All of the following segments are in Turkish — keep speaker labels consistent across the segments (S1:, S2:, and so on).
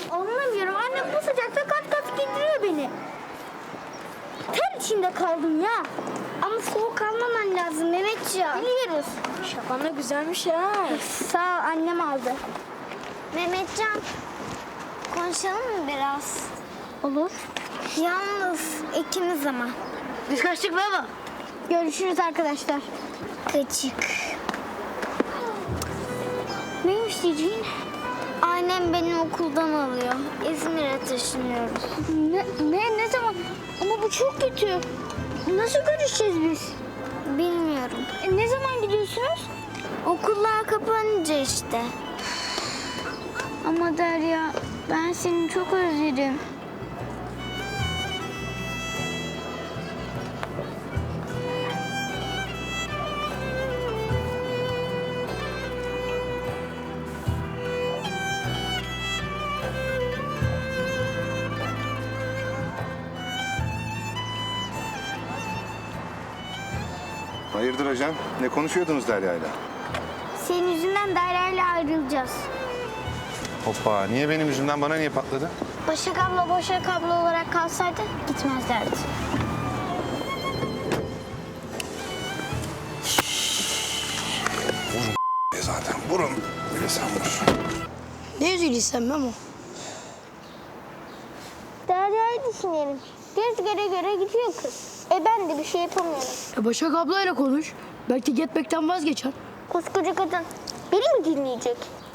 S1: Anlamıyorum. Annem bu sıcakta kat kat giydiriyor beni. Ter içinde kaldım ya.
S2: Ama soğuk almaman lazım Mehmetciğim.
S1: Biliyoruz.
S2: Şaban da güzelmiş ha.
S1: Sağ ol, annem aldı.
S2: Mehmetcan, konuşalım mı biraz?
S1: Olur.
S2: Yalnız ikimiz ama.
S1: Biz kaçtık baba. Görüşürüz arkadaşlar.
S2: Gıcık.
S1: Neymiş diyeceğin?
S2: Annem beni okuldan alıyor. İzmir'e taşınıyoruz.
S1: Ne zaman? Ama bu çok kötü. Nasıl görüşeceğiz biz?
S2: Bilmiyorum.
S1: Ne zaman gidiyorsunuz?
S2: Okullar kapanınca işte.
S1: Ama Derya, ben seni çok özledim.
S3: Hayırdır hocam? Ne konuşuyordunuz Derya'yla?
S1: Senin yüzünden Derya'yla ayrılacağız.
S3: Hoppa, niye benim yüzümden bana niye patladı?
S1: Başak abla olarak kalsaydı gitmezlerdi.
S3: Zaten vurun. Bir de sen vur.
S4: Ne üzülüyorsun Memo?
S1: Derya'yı düşünelim. Göz göre göre gidiyor kız. Ben de bir şey yapamıyorum.
S4: Başak ablayla konuş. Belki gitmekten vazgeçer.
S1: Koskoca kadın beni mi dinleyecek?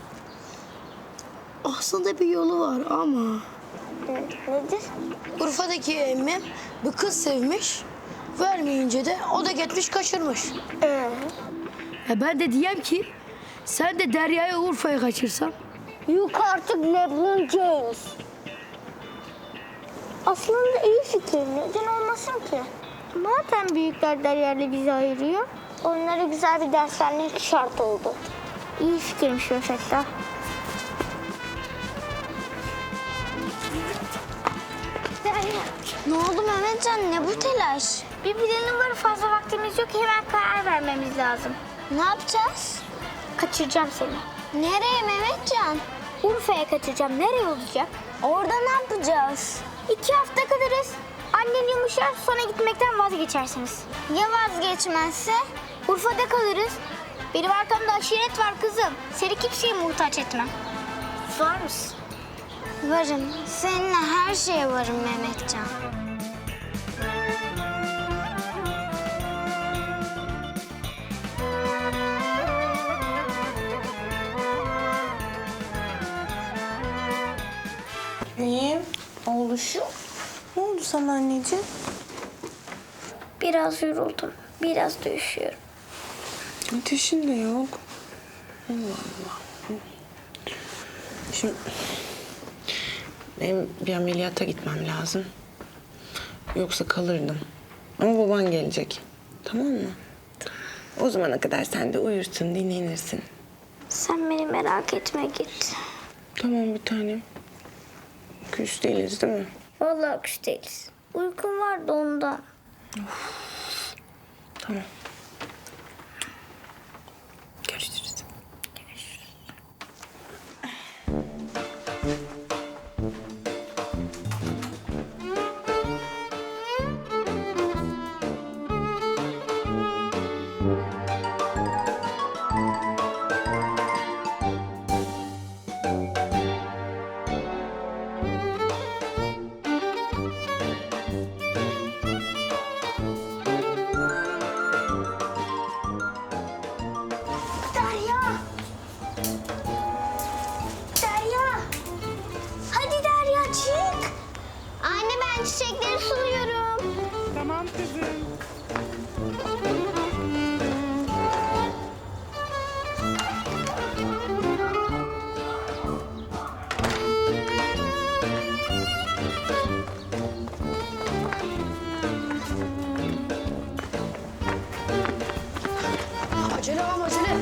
S4: Aslında bir yolu var ama...
S1: Nedir?
S4: Urfa'daki emmim bir kız sevmiş. Vermeyince de o da gitmiş kaçırmış. Ben de diyem ki sen de Derya'yı Urfa'ya kaçırsan.
S1: Yok artık LeBron James. Aslında iyi fikir. Neden olmasın ki? Madem büyükler Derya'yla bizi ayırıyor, onlara güzel bir ders vermek şart oldu. İyi fikirmiş o Fettah. Derya,
S2: Ne oldu Mehmetcan? Ne bu telaş?
S1: bir planım var, fazla vaktimiz yok. Hemen karar vermemiz lazım.
S2: Ne yapacağız?
S1: Kaçıracağım seni.
S2: Nereye Mehmetcan?
S1: Urfa'ya kaçıracağım. Nereye olacak?
S2: Orada ne yapacağız?
S1: 2 hafta kalırız. Annen yumuşar, sonra gitmekten vazgeçersiniz.
S2: Ya vazgeçmezse?
S1: Urfa'da kalırız. Benim arkamda aşiret var kızım. Seni kimseye muhtaç etmem. Var mısın?
S2: Varım. Seninle her şeye varım Mehmetcan.
S5: İyiyim. Oğluşum. Ne oldu sana anneciğim?
S1: Biraz yoruldum. Biraz da üşüyorum.
S5: Ateşin de yok. Allah Allah. Şimdi benim bir ameliyata gitmem lazım. Yoksa kalırdım. Ama baban gelecek. Tamam mı? O zamana kadar sen de uyursun, dinlenirsin.
S1: Sen beni merak etme, git.
S5: Tamam bir tanem. Küs değiliz değil mi?
S1: Vallahi küs değiliz. Uykum var da ondan.
S5: Tamam. Görüşürüz.
S1: Derya! Derya! Hadi Derya çık!
S2: Anne ben çiçekleri suluyorum.
S5: Tamam kızım.
S4: Acele ama acele.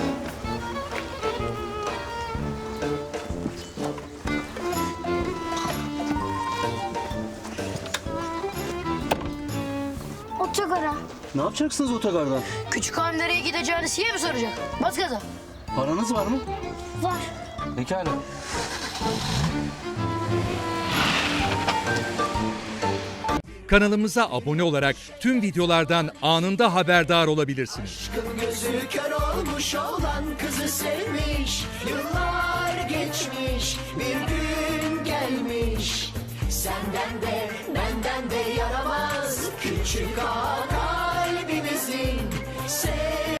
S1: Otogara.
S6: Ne yapacaksınız otogarda?
S4: Küçük hanım nereye gideceğini size mi soracak? Bas gaza.
S6: Paranız var mı?
S1: Var.
S6: Pekala.
S7: Kanalımıza abone olarak tüm videolardan anında haberdar olabilirsiniz.
S8: Gözü kör olmuş olan kızı sevmiş. Yıllar geçmiş, bir gün gelmiş. Senden de benden de yaramaz küçük ağa kalbimizin.